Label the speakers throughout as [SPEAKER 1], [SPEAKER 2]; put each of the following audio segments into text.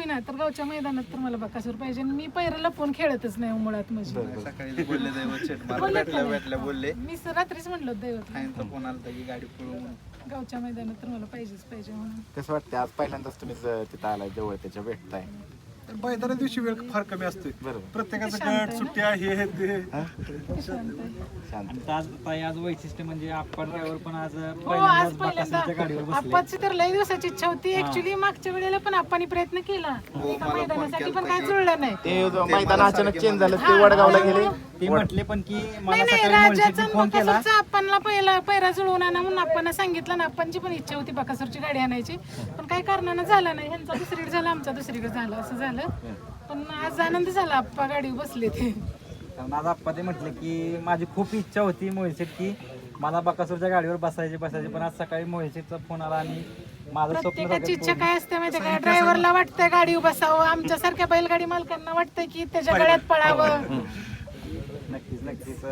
[SPEAKER 1] होईना तर गावच्या मैदानात तर मला बकासूर पाहिजे. मी पैराला फोन खेळतच नाही मुळात. म्हणजे
[SPEAKER 2] सकाळी बोलले दैवत शेट मला भेटल्या बोलले
[SPEAKER 1] मी रात्रीच म्हणलो दैवत
[SPEAKER 2] फाईनचा फोन आला की गाडी पळून
[SPEAKER 1] गावच्या मैदानात तर मला पाहिजेच पाहिजे म्हणून.
[SPEAKER 3] कसं वाटतं आज पहिल्यांदाच तुम्ही तिथं आलाय जवळ त्याच्या भेटताय?
[SPEAKER 4] मैदाना दिवशी वेळ फार कमी असतोय.
[SPEAKER 3] बरोबर.
[SPEAKER 4] प्रत्येकाचं गट सुट्ट्या हे ते
[SPEAKER 3] शांत.
[SPEAKER 5] आणि आज वैशिष्ट्य म्हणजे आपण ड्रायव्हर पण आज
[SPEAKER 1] हो आज पहिल्यांदा आप्पाची तर लई दिवसाची इच्छा होती. ऍक्च्युली मागच्या वेळेला पण आप्पानी प्रयत्न केला एका मैदानासाठी पण काय जुळलं नाही.
[SPEAKER 3] ते मैदान अचानक चेंज झालं ते वडगावला गेले.
[SPEAKER 5] ते म्हटले पण की मला
[SPEAKER 1] नाही
[SPEAKER 5] सकाळी
[SPEAKER 1] राजाचा
[SPEAKER 5] फोन केला.
[SPEAKER 1] बकासूरचा आपणला पहिला पैरा जुळवून आणा म्हणून आपण सांगितलं ना. आपणची पण इच्छा होती बकासूरची गाडी आणायची पण काही कारणानं झालं नाही. ह्यांचा दुसरीकडे झाला आमचा दुसरीकडे झाला असं झालं. पण आज आनंद झाला आप्पा गाडीवर बसले ते.
[SPEAKER 5] कारण आज आप्पा ते म्हटले की माझी खूप इच्छा होती मोहित की मला बकासूरच्या गाडीवर बसायचे पण आज सकाळी मोहितचा फोन आला आणि माझं स्वप्न
[SPEAKER 1] प्रत्येकाची इच्छा काय असते माहिती का? ड्रायव्हरला वाटतंय गाडी बसावं. आमच्यासारख्या बैलगाडी मालकांना वाटतंय की त्याच्या गळ्यात पळावं.
[SPEAKER 5] नक्कीच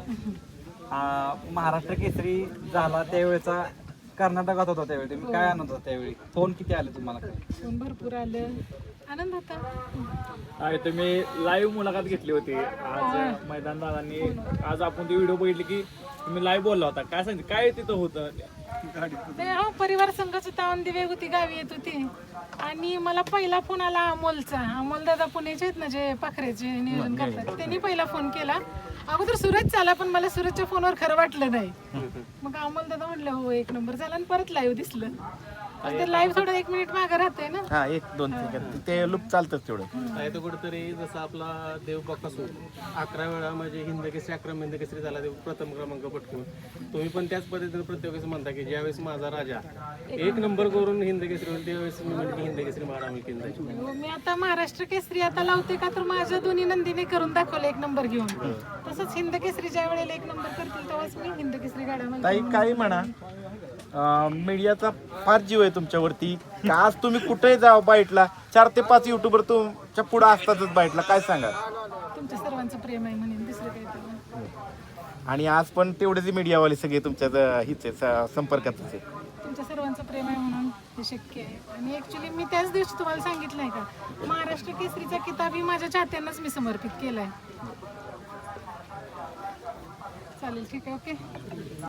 [SPEAKER 5] महाराष्ट्र केसरी झाला त्यावेळेचा कर्नाटकात होता त्यावेळी तुम्ही काय आनंद होता त्यावेळी? फोन किती आले तुम्हाला?
[SPEAKER 1] फोन भरपूर आलं. आनंद होता.
[SPEAKER 6] तुम्ही लाईव्ह मुलाखत घेतली होती आज मैदान दादांनी. आज आपण ती व्हिडिओ बघितली की तुम्ही लाईव्ह बोलला होता. काय सांगितलं काय तिथं होतं?
[SPEAKER 1] ते हो परिवार संघाची तावण दिवे होती गावी येत होती आणि मला पहिला फोन आला अमोलचा. अमोल दादा पुण्याचे आहेत ना जे पाखरेचे नियोजन करतात त्यांनी पहिला फोन केला. अगोदर सूरज चाला पण मला सूरजच्या फोनवर खरं वाटलं नाही. मग अमोल दादा म्हणलं हो एक नंबर झाला आणि परत लाईव्ह दिसलं. ते लाईव्ह थोडं 1 मिनिट मागे राहते ना.
[SPEAKER 3] हा 1-2 सेकंद ते लूप चालतं तेवढं.
[SPEAKER 7] आहे तो कुठेतरी जसं आपला देव बकासूर 11 वेळा म्हणजे हिंदकेसरी अक्रम हिंदकेसरी झाला ते प्रथम क्रमांक पटकून. तुम्ही पण त्याच पद्धतीने प्रत्येक वेळेस म्हणता की ज्यावेळेस माझा राजा 1 नंबर करून हिंदकेसरी होईल त्यावेळेस मी म्हणजे हिंदकेसरी मारा मी केंद्राची.
[SPEAKER 1] मी आता महाराष्ट्र केसरी आता लावते का तर माझ्या दोन्ही नंदीने करून दाखवलं 1 नंबर घेऊन. तसंच हिंद केसरी ज्या वेळेला 1 नंबर करतील तेव्हाच मी हिंद केसरी गाड्या
[SPEAKER 3] ताई काही म्हणा मीडियाचा फार जीव आहे तुमच्यावरती. आज तुम्ही कुठेही जावा बाईटला 4 ते 5 युट्यूबर तुमच्या पुढे असतातच बाईटला. काय सांगा?
[SPEAKER 1] तुमच्या सर्वांचं प्रेम आहे म्हणेन दुसरं काही तर.
[SPEAKER 3] आणि आज पण तेवढेच मीडियावाले सगळे तुमच्या हिचे संपर्कातच आहे.
[SPEAKER 1] तुमच्या सर्वांचं प्रेम आहे म्हणून हे शक्य आहे. आणि ऍक्च्युली मी त्याच दिवशी तुम्हाला सांगितलंय का महाराष्ट्र केसरीचा किताबही माझ्या चाहत्यांनाच मी समर्पित केलाय. चालेल ठीक आहे ओके.